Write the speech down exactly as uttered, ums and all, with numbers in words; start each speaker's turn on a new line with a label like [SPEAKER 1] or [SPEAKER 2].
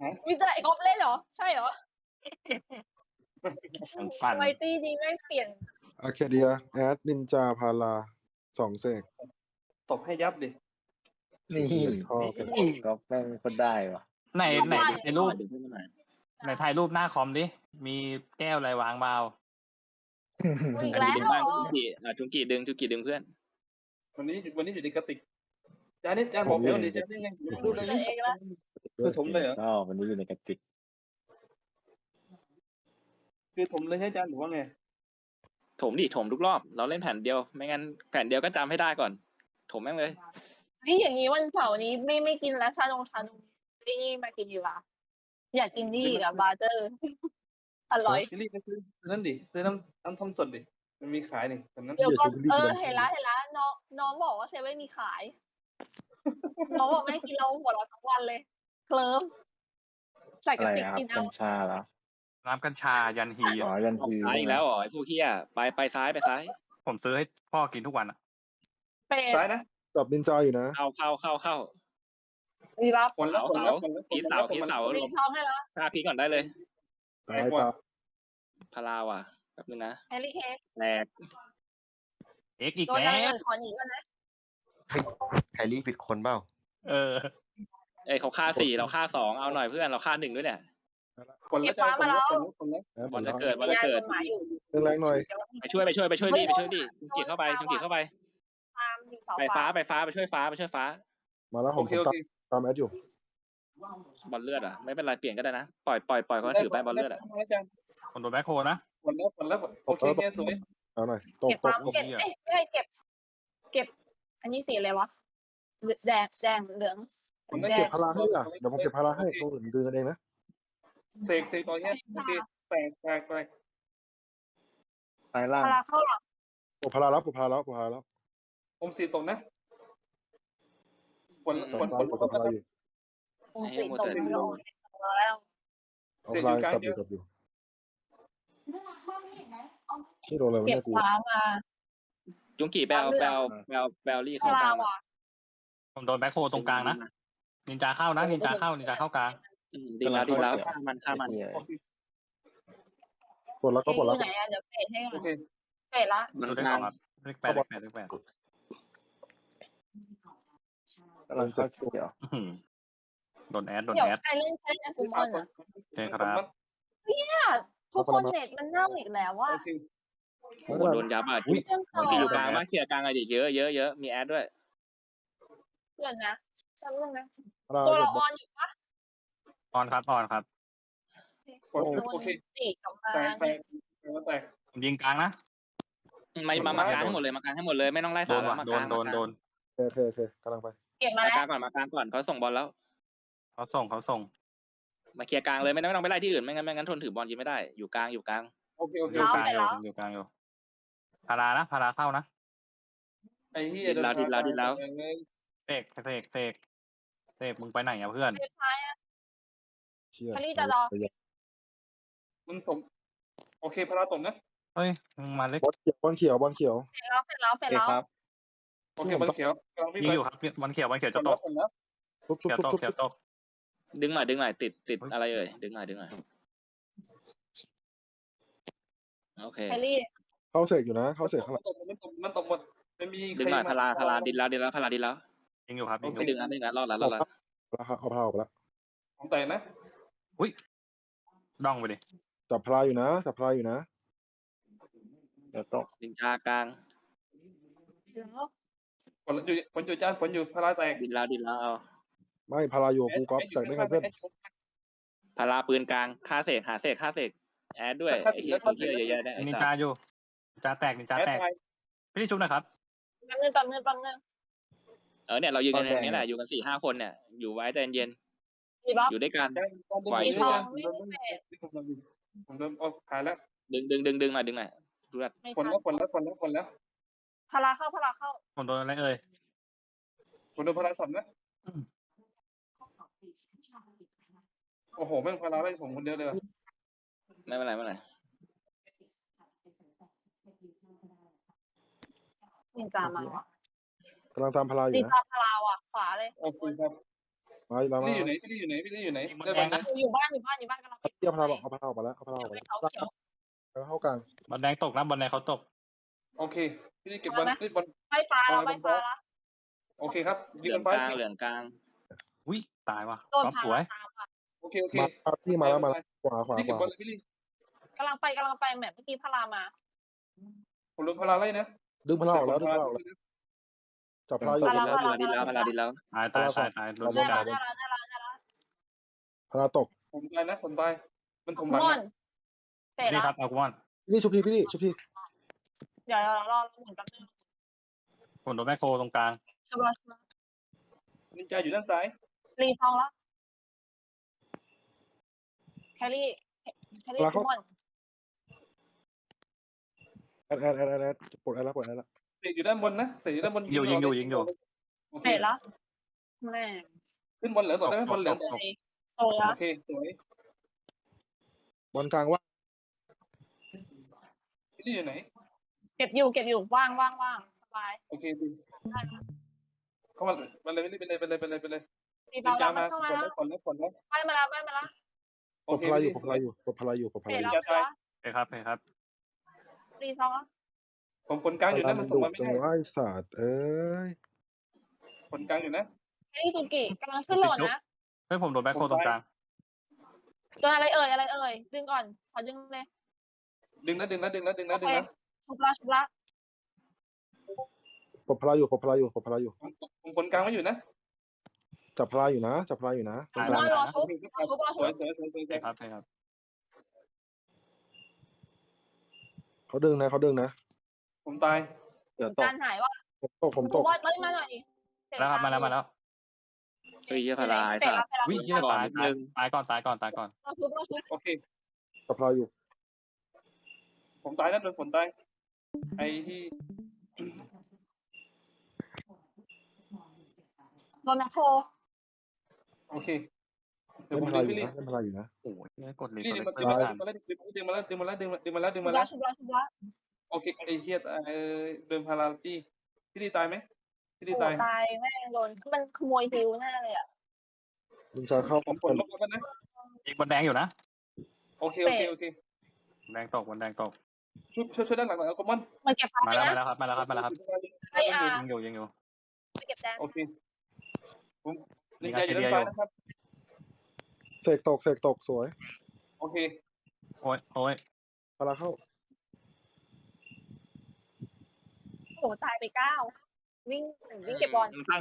[SPEAKER 1] มีแต่ไอ้ก๊อฟเล่นเหรอใช่เหรอ
[SPEAKER 2] ปั่น
[SPEAKER 1] ไวตี้นี้แม่งเปลี่ยน
[SPEAKER 3] อาร์เคเดียแอดนินจาพาราสองเสก
[SPEAKER 4] ตบให้ยับดิ
[SPEAKER 2] นี่
[SPEAKER 3] ชอบ
[SPEAKER 2] ก็แม่งคนได้วะไหนไหนในรูปไหนถ่ายรูปหน้าคอมดิมีแก้วอะไรวางเบา
[SPEAKER 1] อีก
[SPEAKER 5] อัน
[SPEAKER 1] แล้
[SPEAKER 5] นี้
[SPEAKER 1] ว
[SPEAKER 5] ดึงบ้างจุงกีอ่ะจุงกีดึงจุงกีดึงเพื่อน
[SPEAKER 4] วันนี้วันนี้อยู่ในกระติกจานนี้จานบอกแล้วดิจานนี่ไงดูเลยนี่คือถมเลยเหรอ
[SPEAKER 2] ชอบวันนี้อยู่ในกระติก
[SPEAKER 4] คือถมเลยใช่จานหรือว่าไง
[SPEAKER 5] ถมดิถมทุกรอบเราเล่นแผ่นเดียวไม่งั้นแผ่นเดียวก็จำให้ได้ก่อนถมแม่งเลย
[SPEAKER 1] นี่อย่างนี้วันเสาร์นี้ไม่ไม่กินแล้วชานงชานมนี่มากินดีกว่าอยากกินนี่กับบาร์เตอร์ อร่อย
[SPEAKER 4] ซิลี่ไปซื้อนั่นดิซื้อน้ำน้ำทำสดดิมันมีขายนี่ตอนนั้น
[SPEAKER 1] เดี๋ยวก็เออเห็นแล้วเห็นแล้วน้องน้องบอกว่าเซเว่นมีขาย น้องบอกไม่กินเราหัวเราะทั้งวันเลย เคลิ้มใส่
[SPEAKER 2] อะ
[SPEAKER 1] กระ
[SPEAKER 2] ไร
[SPEAKER 1] ติก
[SPEAKER 2] ครับ
[SPEAKER 1] กิน
[SPEAKER 2] กั
[SPEAKER 1] เอา
[SPEAKER 2] ญชาแล้ว
[SPEAKER 6] น้ำกัญชายันฮี
[SPEAKER 2] อ๋อ
[SPEAKER 6] อะ
[SPEAKER 2] ยัน
[SPEAKER 5] ออก
[SPEAKER 2] ที
[SPEAKER 5] ซ้ายอีกแล้วเหรอไอ้พวกเฮียไปไปซ้ายไปซ้าย
[SPEAKER 6] ผมซื้อให้พ่อกินทุกวันอ่ะ
[SPEAKER 1] เป็ด
[SPEAKER 4] ซ้ายนะ
[SPEAKER 3] จับนินจาอยู่นะ
[SPEAKER 5] เข้าเข้าเข้าเข้า
[SPEAKER 1] มีรับ
[SPEAKER 4] ผลแล้วผลแล้วผลแล้ว
[SPEAKER 5] พีเสาพีเสา
[SPEAKER 1] มี
[SPEAKER 5] ลง
[SPEAKER 1] ท้องให้แล้ว
[SPEAKER 5] ฆ่าพีก่อนได้เลย
[SPEAKER 3] ตายตา
[SPEAKER 5] พาราว่ะแป๊บนึงนะ
[SPEAKER 1] แฮร์รี่เค้ก
[SPEAKER 5] แตก
[SPEAKER 6] เอ็กอีก
[SPEAKER 1] โดน
[SPEAKER 6] แล้
[SPEAKER 1] อะไร
[SPEAKER 6] ว
[SPEAKER 1] อื่นขอหนีก่อนนะ
[SPEAKER 7] ไคลี่ผิดคนเปล่า
[SPEAKER 6] เออ
[SPEAKER 5] เอ้ยเขาฆ่าสี่เราฆ่าสองเอาหน่อยเพื่อนเราฆ่าหนึ่งด้วยเนี่ย
[SPEAKER 4] ผลแล้วจานผลแล้วผลแล้วผลแล้ว
[SPEAKER 3] แอด
[SPEAKER 5] บอลจะ
[SPEAKER 3] เ
[SPEAKER 5] เกิดบอลจะเกิด
[SPEAKER 1] หมาอยู่
[SPEAKER 3] แรงๆหน่อย
[SPEAKER 5] ไปช่วยไปช่วยไปช่วยดิไปช่วยดิจุงกีเข้าไปจุงกีเข้าไป
[SPEAKER 1] ตามมีเสา
[SPEAKER 5] ไปฟ้าไปฟ้าไปช่วยฟ้าไปช่วยฟ้า
[SPEAKER 3] มาแล้วผ
[SPEAKER 4] โอ
[SPEAKER 3] ม
[SPEAKER 4] เค
[SPEAKER 3] ผม
[SPEAKER 4] โอ
[SPEAKER 3] ตาม
[SPEAKER 4] เค
[SPEAKER 3] ตามแอดอยู่
[SPEAKER 5] บอลเลือดอ่ะไม่เป็นไรเปลี่ยนก็ได้นะปล่อยปล่อยปล่อยเขาถือไปบอลเลือดอ่ะ
[SPEAKER 6] คนโดนแบ็คโฮนะ
[SPEAKER 4] ผลแล้วผลแล้วโอเคแค่สวย
[SPEAKER 3] เอาหน่อยตก
[SPEAKER 1] เก็บ
[SPEAKER 3] ต
[SPEAKER 1] ฟาก ร์ม
[SPEAKER 3] ตก
[SPEAKER 1] เก็บเอ้ยไม่ใช่เก็บ เก็บ อันนี้สีอะไรวะแดงแดงเหลือง
[SPEAKER 4] ผม
[SPEAKER 1] แด
[SPEAKER 3] เก็
[SPEAKER 1] ง
[SPEAKER 3] บพาราให้อ่ะเดี๋ยวผมเก็บพาราให้ตัวอื่นดึงกันเองนะ
[SPEAKER 4] เสกเสกตอนนี้โอเคแตกแตกแตก
[SPEAKER 2] ซ้ายล่าง
[SPEAKER 1] พาราเข้าหลัง
[SPEAKER 3] โอ้พาราแล้วผมพาราแล้วผมพาราแล้ว
[SPEAKER 4] ผมสีตรงนะผล
[SPEAKER 3] จับ
[SPEAKER 4] ผล
[SPEAKER 3] พา
[SPEAKER 4] ผ
[SPEAKER 3] รา
[SPEAKER 4] ล
[SPEAKER 3] อยู่จับพาราอยู่
[SPEAKER 1] ผมสีตรงแล้วแล้ว
[SPEAKER 3] เอาพาราจับอยู่จับอยู่ที่โดนอะไรวะ
[SPEAKER 1] เก็บ
[SPEAKER 3] เนี่ยกู
[SPEAKER 1] ฟ้ามา
[SPEAKER 5] จุงกีไปเอาไปเอาไปเอาไปเอาลี่
[SPEAKER 1] พา
[SPEAKER 5] เข้าก
[SPEAKER 1] รา
[SPEAKER 5] ลาง
[SPEAKER 1] ว่ะ
[SPEAKER 6] ผมโดนแบ็คโฮตรงกลางนะนินจาเข้านะนินจาเข้านินจาเข้ากลาง
[SPEAKER 5] อืมดีแล้วดีแล้วฆ่ามันฆ่ามัน
[SPEAKER 4] โอเค
[SPEAKER 3] กดแล้วก็
[SPEAKER 1] เอ๊ะ
[SPEAKER 3] กด
[SPEAKER 1] อ
[SPEAKER 3] แล้ว
[SPEAKER 1] ยู่ไหนอะเดี๋ยวเปดให้ก่
[SPEAKER 4] โอ
[SPEAKER 1] อน
[SPEAKER 4] เค
[SPEAKER 1] เปดละ
[SPEAKER 5] มัน
[SPEAKER 6] ดูได้
[SPEAKER 5] ก
[SPEAKER 6] ส
[SPEAKER 5] ลา
[SPEAKER 6] อง งครับเลขแปดเลขแปดเลขแปด
[SPEAKER 2] กำลังเข้าเกี่ยว
[SPEAKER 6] อื้อหือโดนแอดโดน
[SPEAKER 1] เดี๋ยว
[SPEAKER 6] แอด
[SPEAKER 1] ใครเล่นใครเล่นอะคุมอนอะ
[SPEAKER 6] เชิญครับ
[SPEAKER 1] ทุกคนเน็ตมันเน่าอีกแล้วว่า
[SPEAKER 4] โอเค
[SPEAKER 5] โอ้โหโดนยับอ่ะจุง
[SPEAKER 1] เรื่องต่อ
[SPEAKER 5] จุงกีอยู่กลางมากเคลียร์กลางอะไรดิเยอะเยอะเยอะมีแอดด้วย
[SPEAKER 1] เดี๋ยวนะจำเรื่องนะ
[SPEAKER 3] พารา
[SPEAKER 1] ตัว
[SPEAKER 3] เก็
[SPEAKER 1] ละ
[SPEAKER 3] บ
[SPEAKER 1] ออนอยู่ปะ
[SPEAKER 6] ออนครับออนครับ
[SPEAKER 4] โอเค
[SPEAKER 1] สี่กลับมา
[SPEAKER 4] แตกแตกแตก
[SPEAKER 6] ผมยิงกลางนะ
[SPEAKER 5] มามามากลางให้หมดเลยมากลางให้หมดเลยไม่ต้องไล่
[SPEAKER 6] โด
[SPEAKER 5] สาน ม
[SPEAKER 6] ว่ะ
[SPEAKER 5] มา
[SPEAKER 6] โด
[SPEAKER 5] กลาน ง
[SPEAKER 6] โดนโดน
[SPEAKER 3] โอเคโอเคโอเคกำลังไป
[SPEAKER 1] เก็บมา
[SPEAKER 5] มา
[SPEAKER 1] แล้
[SPEAKER 5] กลาว งก่อนมากลางก่อนเขาส่งบอลแล้ว
[SPEAKER 6] เขาส่งเขาส่ง
[SPEAKER 5] มาเคลียร์กลางเลยไม่ต้องไม่ต้องไปไล่ที่อื่นไม่งั้นไม่งั้นทนถือบอลยิงไม่ได้อยู่กลางอยู่กลาง
[SPEAKER 4] โอเคโอเค
[SPEAKER 6] อยู่กลางอยู่อยู่กลางอยู่พารานะพาราเข้านะ
[SPEAKER 4] ไอ้เหี้ย
[SPEAKER 6] เสกเสกเสกเสกมึงไปไหนอ่ะเพื่อน
[SPEAKER 1] สุดท้ายอะ
[SPEAKER 3] เชี่ย
[SPEAKER 1] อันนี้จะรอ
[SPEAKER 4] มันสมโอเคพาราตมนะ
[SPEAKER 6] เฮ้ยมึงมาเล็ก
[SPEAKER 3] บอลเขียวบอลเขียวบอลเขียว
[SPEAKER 1] เสร็จแล้วเสร็จแล้วเสร็จ
[SPEAKER 2] เอ
[SPEAKER 1] แล้ว
[SPEAKER 2] ครับ
[SPEAKER 4] โอเคมันเขียว
[SPEAKER 6] ยิงอยู่ครับวันเขียววันเขียวจะตก
[SPEAKER 4] แล้ว
[SPEAKER 3] ทุบทุบ
[SPEAKER 6] เขียว
[SPEAKER 3] ทุบ
[SPEAKER 6] ตก
[SPEAKER 3] ทุบ
[SPEAKER 6] เขียวตก
[SPEAKER 5] ดึงหน่อยดึงหน่อยติดติดอะไรเอ่ยดึงหน่อยดึงหน่อยโอเค
[SPEAKER 1] แฮร์รี่
[SPEAKER 3] เข้าเสกอยู่นะเข้าเสกข้างหลัง
[SPEAKER 4] มันตกมันตกหมดมันมี
[SPEAKER 5] ดึงหน่อยพาราพาราดินแล้วดินแล้วพาราดินแล้ว
[SPEAKER 6] ยิงอยู่ครับยิงอ
[SPEAKER 5] ไม่
[SPEAKER 6] ยู่
[SPEAKER 5] ดึงนะไม่ดึงนะรอดแล้วรอดแล้ว
[SPEAKER 3] แล้วเอาพาราออกไปแล้ว
[SPEAKER 4] ของแต่นะ
[SPEAKER 6] ดองไปดิ
[SPEAKER 3] จับพาราอยู่นะจับพาราอยู่นะ
[SPEAKER 2] เดี๋ยวตก
[SPEAKER 5] ดินจากลาง
[SPEAKER 4] ฝนอยู่ฝนอยู่จ้าฝนอยู่พาราแตก
[SPEAKER 5] ดินแล้วดินแล้วเอา
[SPEAKER 3] ไม่พาราอยู่กูก๊อฟแตกได้ไงเพื่อน
[SPEAKER 5] พาราปืนกลางฆ่าเสกหาเสกฆ่าเสกแอดด้วยไอ้เหี้ยตัวเหี้ยเยอะๆได้ไอ้
[SPEAKER 6] นิน
[SPEAKER 5] สั
[SPEAKER 6] จา
[SPEAKER 5] ส
[SPEAKER 6] อยู่นินจาแตกนินจา
[SPEAKER 4] แอด
[SPEAKER 6] แตก
[SPEAKER 4] ไทย
[SPEAKER 6] พี่ชุบนะครับ
[SPEAKER 1] แป๊บนึงแป๊บนึงแป๊บนึง
[SPEAKER 5] เออเนี่ยเราอยู่กันอย่างนี้แหละอยู่กันสี่ห้าคนเนี่ยอยู่ไว้ใจเย็น
[SPEAKER 1] มีบ๊อบ
[SPEAKER 5] อยู่ด้วยกัน
[SPEAKER 1] มีทองไม่มีเศษ
[SPEAKER 4] ผมโดนเอาขายแล้ว
[SPEAKER 5] ดึงดึงดึงดึงหน่อยดึงหน่อยดูแล
[SPEAKER 1] ไม่
[SPEAKER 4] ฝน
[SPEAKER 1] ทัน
[SPEAKER 4] แล้วฝนแล้วฝนแล้วฝนแล้ว
[SPEAKER 1] พาราเข้าพาราเข้า
[SPEAKER 6] ผมโดนอะไรเอ่ย
[SPEAKER 4] ฝนโดนพาราสับนะโอ้โหแม่งพาราได้ผมคนเดียวเลย
[SPEAKER 5] ไม่เป็นไรไม่เป็นไร
[SPEAKER 1] นินจามาว่ะ
[SPEAKER 3] กำลังตามพาราอ
[SPEAKER 1] นิ
[SPEAKER 3] ยู่
[SPEAKER 1] น
[SPEAKER 3] นะ
[SPEAKER 1] จาพาราว่ะขวาเลย
[SPEAKER 4] โอเคครับ
[SPEAKER 3] มาแล้วมา
[SPEAKER 4] พี่ลี่อยู่ไหนพี่ลี่อยู่ไหนพี่ลี่อยู่ไหน
[SPEAKER 6] ยิงบน
[SPEAKER 4] ได้
[SPEAKER 6] แด
[SPEAKER 4] บอล
[SPEAKER 6] ง
[SPEAKER 4] นะ
[SPEAKER 6] นะ
[SPEAKER 1] อยู่บ้านอยู่บ้านอยู่บ้านกำลังไป
[SPEAKER 3] เทียบพลาบอกเอาพลาออกมาแล้วเอาพลาออกมาแล้ว
[SPEAKER 1] เขาเขียว
[SPEAKER 3] แล้วเข้ากลาง
[SPEAKER 6] บอลแดงตกนะบอลแดงเขาตก
[SPEAKER 4] โอเคพี่ลี่เก็บบอลเล่นบอล
[SPEAKER 1] ไฟฟ้าเราไฟฟ้าละ
[SPEAKER 4] โอเคครับ
[SPEAKER 5] เห
[SPEAKER 4] ยื
[SPEAKER 5] ลือน ง
[SPEAKER 4] ไฟ
[SPEAKER 5] กลางเหลืองกลาง
[SPEAKER 6] อุ้ยตายว่ะ
[SPEAKER 1] โดน
[SPEAKER 6] ก๊อฟ
[SPEAKER 1] พา
[SPEAKER 6] สวย
[SPEAKER 1] ตามค่ะ
[SPEAKER 4] โอเคโอเค
[SPEAKER 3] มาพี่มาแล้วมาแล้วขวาขวา
[SPEAKER 4] พี่
[SPEAKER 3] ข
[SPEAKER 4] เก็บ
[SPEAKER 3] วา
[SPEAKER 4] บอลเลยพี่ลี่
[SPEAKER 1] กำลังไปกำลังไปแมปเมื่อกี้พารามา
[SPEAKER 4] ผมลงพลาไล่นะ
[SPEAKER 3] ดึงพลาออกแล้วดึงพลาออกแล้วจับพลาอยู่
[SPEAKER 5] พาราดีแล้วพาราดีแล้ว
[SPEAKER 6] ตายตายตายตายโดน
[SPEAKER 3] ได้
[SPEAKER 1] ได้
[SPEAKER 6] ก
[SPEAKER 1] แล้
[SPEAKER 6] ลาว ง
[SPEAKER 1] ได้แล้วได้แล้วได้แล้ว
[SPEAKER 3] พลาตก
[SPEAKER 4] ผมตายนะผมตายมันถมหลัง
[SPEAKER 1] ม่อนเสร็จ
[SPEAKER 6] นี่
[SPEAKER 1] แล้ว
[SPEAKER 6] ครับเอากุมอน
[SPEAKER 3] นี่ชุบพี่พี่นี่ชุบพี่
[SPEAKER 1] เดี๋ยวเรารอหมุนแป๊บนึง
[SPEAKER 6] ผมโดนแม่โคตรงกลาง
[SPEAKER 1] ชัวร์ชัวร์
[SPEAKER 4] นินจาอยู่ด้านซ้าย
[SPEAKER 1] รีทองแล้วแครี่แครี่ม่อน
[SPEAKER 3] แอดแอดแอดแอดแอดปลดแอดแล้วปลดแอดแล้ว
[SPEAKER 4] เสกอยู่ด้านบนนะเสกอยู่ด้านบน
[SPEAKER 6] ยิงอยู่ยิงอยู่ยิงอยู่
[SPEAKER 4] โอเค
[SPEAKER 1] เสร็จแล้วแม่
[SPEAKER 4] ขึ้นบอลเหลืองต่อได้ไหมบอลเหลืองต่อ
[SPEAKER 1] โตแล้ว
[SPEAKER 4] โอเคสวย
[SPEAKER 3] บอลกลางว่า
[SPEAKER 4] พี่ลี่อยู่ไหน
[SPEAKER 1] เก็บอยู่เก็บอยู่ว่างว่างว่างสบาย
[SPEAKER 4] โอเคดีเข้ามาไปเลยไปเลยไปเลยไปเลยไปเลย
[SPEAKER 1] รี
[SPEAKER 4] นิน
[SPEAKER 1] ท
[SPEAKER 4] จา
[SPEAKER 1] อง
[SPEAKER 4] มา
[SPEAKER 1] เข้ามา
[SPEAKER 4] ก่อนแล้วก่อนแล้วก่อนแล้ว
[SPEAKER 1] ไปมาแล้วไปมาแล้ว
[SPEAKER 4] โอ
[SPEAKER 3] ปลด
[SPEAKER 4] เค
[SPEAKER 3] พลาอยู่ปลดพลาอยู่ปลดพลาอยู่ปลดพ
[SPEAKER 1] เสร็
[SPEAKER 3] ลา
[SPEAKER 1] จ
[SPEAKER 3] อยู่
[SPEAKER 1] แล้วเสร็จแล้ว
[SPEAKER 6] โอเคครับโอเคครับ
[SPEAKER 1] รีทองแล้ว
[SPEAKER 4] ผมคนกลางอยู่
[SPEAKER 3] พลา
[SPEAKER 4] นะมั
[SPEAKER 3] มัน น
[SPEAKER 4] ส่ง
[SPEAKER 3] ดุ
[SPEAKER 4] มาไม่
[SPEAKER 3] จัง
[SPEAKER 4] ได้
[SPEAKER 3] วะไอ้สัตว์เอ้ย
[SPEAKER 4] คนกลางอยู่นะ
[SPEAKER 1] แครี่ตุกิกำลังขึ้นโหลดนะ
[SPEAKER 6] เฮ้ยผมโดนแม่โคตรงกลาง
[SPEAKER 1] เจออะไรเอ่ยอะไรเอ่ยดึงก่อนขอดึงเลย
[SPEAKER 4] ดึงนะดึงนะดึงนะดึงนะดึงนะ
[SPEAKER 1] ชุบละชุบละ
[SPEAKER 3] ปลดพลาอยู่ปลดพลาอยู่ปลดพลาอยู่
[SPEAKER 4] ผมคนกลางไม่อยู่นะ
[SPEAKER 3] จับพลาอยู่นะจับพลาอยู่นะตรงก
[SPEAKER 1] ม
[SPEAKER 3] ลา
[SPEAKER 1] อง นรอชุบรอชุบรอ
[SPEAKER 4] ส
[SPEAKER 1] ชุ
[SPEAKER 4] วย
[SPEAKER 1] บ
[SPEAKER 4] สวยสวยสวย
[SPEAKER 6] โอเคครับโอเคครับ
[SPEAKER 3] เขาดึงนะเขาดึงนะ
[SPEAKER 4] ผมตาย
[SPEAKER 2] เดี๋ยวตก
[SPEAKER 1] การหายว่า
[SPEAKER 3] ผมตกผมตก
[SPEAKER 1] บอลเอ้ยมาหน่อย
[SPEAKER 6] แล้วครับมาแล้วมาแล้ว
[SPEAKER 5] เฮ้ยเหี้ยพาราไอ้
[SPEAKER 1] เสร็จ
[SPEAKER 5] สั
[SPEAKER 1] แล้ว
[SPEAKER 5] ตว์
[SPEAKER 1] เสร็จแล้ว
[SPEAKER 6] วิ่งเยี่ยตายตายตายก่อนตายก่อนตายก่อน
[SPEAKER 1] รอชุบรอชุบ
[SPEAKER 4] โอเค
[SPEAKER 3] จับพลาอยู่
[SPEAKER 4] ผมตายนะโดนฝนตายไอ้ที่
[SPEAKER 1] โดนแมคโคร
[SPEAKER 4] โอเคเดี๋ย
[SPEAKER 3] เล่
[SPEAKER 4] วน ผม
[SPEAKER 3] พลา
[SPEAKER 4] ดึง
[SPEAKER 3] อยู่
[SPEAKER 4] พี่ลี่
[SPEAKER 3] นะเล่นพลาอยู่นะ
[SPEAKER 6] โอ้ยเนี่ยกดเลย
[SPEAKER 4] พี่
[SPEAKER 6] ก
[SPEAKER 4] ลี่
[SPEAKER 6] ด
[SPEAKER 4] ดึง
[SPEAKER 6] เลย
[SPEAKER 4] มา
[SPEAKER 6] ไม่
[SPEAKER 4] ดึง
[SPEAKER 6] ทัน
[SPEAKER 4] มาดึงมาแล้วดึงมาแล้วดึงมาแล้วดึงมาแล้วดึง
[SPEAKER 1] ชุ
[SPEAKER 4] มา
[SPEAKER 1] บ
[SPEAKER 4] แล้
[SPEAKER 1] ละ
[SPEAKER 4] ว
[SPEAKER 1] ชุบละชุบละ
[SPEAKER 4] โอเคไอ้เฮียเออเดินพาราตี้พี่ลี่ตายไหมพี่ลี่
[SPEAKER 1] โอ้
[SPEAKER 4] ตาย
[SPEAKER 1] ตายแม่งโดนมันขโมยฮิวแน่เลยอ่ะ
[SPEAKER 3] ดึงจะเข้า
[SPEAKER 4] ผมผลลบแล้วนะ
[SPEAKER 6] ยิงบอลแดงอยู่นะ
[SPEAKER 4] โอเคโอเคโอเค
[SPEAKER 6] แดงตกบอลแดงตก
[SPEAKER 4] ช่วยช่วยช่วยด้านหลังหน่อยเอาคอมมอน
[SPEAKER 1] มันเก็บฟ้า
[SPEAKER 6] มา
[SPEAKER 1] ไป
[SPEAKER 6] แล้วมา
[SPEAKER 1] นะ
[SPEAKER 6] แล้วครับมาแล้วครับมาแล้วครับ
[SPEAKER 1] ไอ้อา
[SPEAKER 6] ยิงอยู่ยิงอยู่
[SPEAKER 1] ไปเก็บแดง
[SPEAKER 4] โอเคผมนินจาอยู่ด้านซ้ายนะครับ
[SPEAKER 3] เสกตกเสกตกสวย
[SPEAKER 4] โอเค
[SPEAKER 6] โอ้ยโอ้ย
[SPEAKER 3] พลาเข้า
[SPEAKER 1] โอ้ตายไปเก้าวิ่งวิ่งเก็บบอล
[SPEAKER 5] มันตั้ง